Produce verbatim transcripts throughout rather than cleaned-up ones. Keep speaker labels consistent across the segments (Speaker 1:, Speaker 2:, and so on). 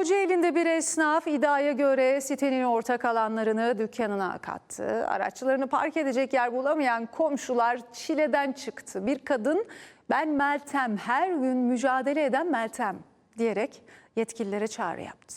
Speaker 1: Kocaeli'nde bir esnaf iddiaya göre sitenin ortak alanlarını dükkanına kattı. Araçlarını park edecek yer bulamayan komşular çileden çıktı. Bir kadın "Ben Meltem, her gün mücadele eden Meltem" diyerek yetkililere çağrı yaptı.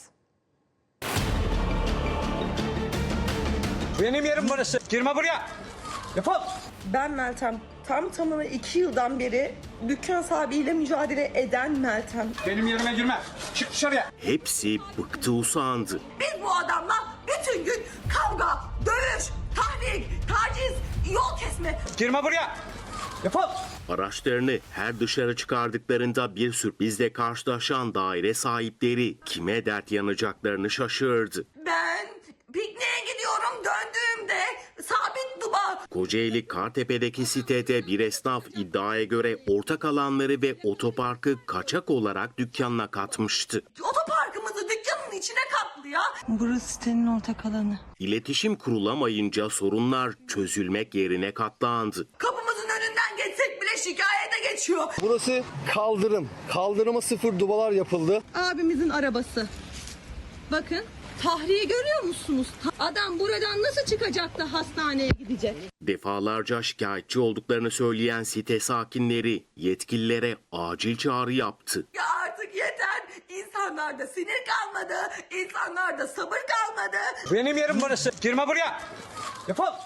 Speaker 2: Benim yerim burası. Girme buraya. Defol.
Speaker 3: Ben Meltem. Tam tamına iki yıldan beri dükkan sahibiyle mücadele eden Meltem.
Speaker 2: Benim yerime girme. Çık dışarıya.
Speaker 4: Hepsi bıktı usandı.
Speaker 3: Biz bu adamla bütün gün kavga, dövüş, tahrik, taciz, yol kesme.
Speaker 2: Girme buraya. Defol.
Speaker 4: Araçlarını her dışarı çıkardıklarında bir sürprizle karşılaşan daire sahipleri kime dert yanacaklarını şaşırdı.
Speaker 3: Ben pikniğe gidiyorum, döndüğümde sabit duba.
Speaker 4: Kocaeli Kartepe'deki sitede bir esnaf iddiaya göre ortak alanları ve otoparkı kaçak olarak dükkanına katmıştı.
Speaker 3: Otoparkımızı dükkanın içine katlı ya.
Speaker 5: Burası sitenin ortak alanı.
Speaker 4: İletişim kurulamayınca sorunlar çözülmek yerine katlandı.
Speaker 3: Kapımızın önünden geçsek bile şikayete geçiyor.
Speaker 6: Burası kaldırım. Kaldırıma sıfır dubalar yapıldı.
Speaker 5: Abimizin arabası. Bakın tahriyi görüyor musunuz? Adam buradan nasıl çıkacak da hastaneye gidecek?
Speaker 4: Defalarca şikayetçi olduklarını söyleyen site sakinleri yetkililere acil çağrı yaptı.
Speaker 3: Ya artık yeter. İnsanlarda sinir kalmadı. İnsanlarda sabır kalmadı.
Speaker 2: Benim yerim burası. Girme buraya. Defol.